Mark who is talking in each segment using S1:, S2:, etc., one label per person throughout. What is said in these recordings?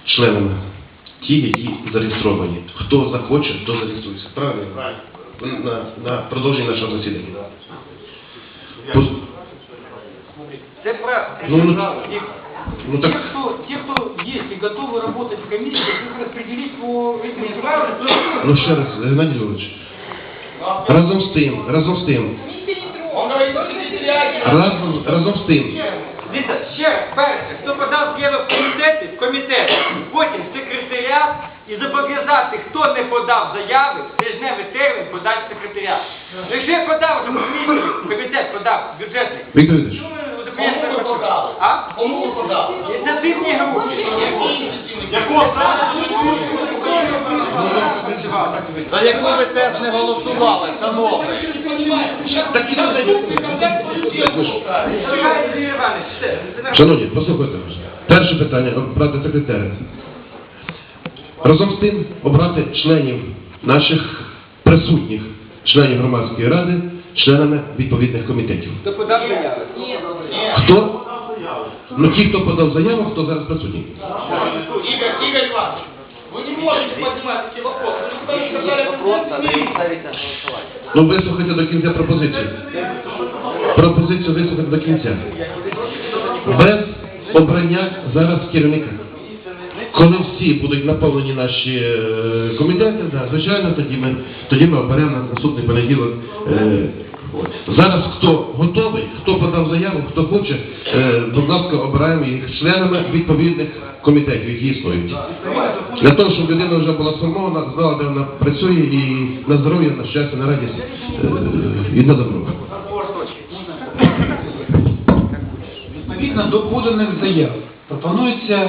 S1: членами. Ті, які зареєстровані. Хто захоче, то зареєструється. Правильно? На продовження нашого засідання.
S2: Це правда. Те, кто есть и готовы работать в комиссии, их распределить по этим правилам.
S1: Ну ще раз, Геннадій Львович. Разом з тим.
S2: Дивіться, ще раз, перше, хто подав заяву в комітет, потім секретаріат і зобов'язати, хто не подав заяви, тижневий термін подати в секретаріат. Якщо я подав до комісії, комітет подав бюджетний.
S1: Віктор Вікторович.
S2: Кому ви подали? А? Кому ви подали? Ініціативні групи.
S3: За яку ви теж не голосували, шановні.
S1: Шановні, послухайте. Перше питання обрати секретаря. Разом з тим обрати членів наших присутніх, членів громадської ради, членами відповідних комітетів.
S2: Хто подав заяви?
S1: Хто? Ну ті, хто подав заяву, хто зараз присутній.
S3: Игорь Иванович, вы не можете поднимать эти вопросы. Вы не сказали,
S1: Ну вислухайте до кінця пропозицію. Пропозицію вислухайте до кінця. Без обрання зараз керівника. Коли всі будуть наповнені наші комітети, звичайно, тоді ми оберемо на наступний понеділок. Зараз хто готовий, хто подав заяву, хто хоче, будь ласка, обираємо їх членами відповідних комітетів, які існують. Для того, щоб людина вже була сформована, знала, де вона працює, і на здоров'я, на щастя, на радість і на добро.
S4: Відповідно до поданих заяв пропонується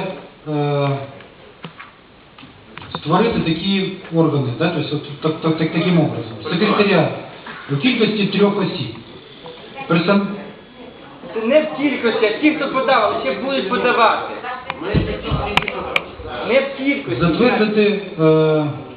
S4: створити такі органи, тобто таким образом. Секретаріат у кількості 3 осіб.
S2: Це не в кількості, а ті, хто подав, ще будуть подавати. Не в кількості.
S4: Затвердити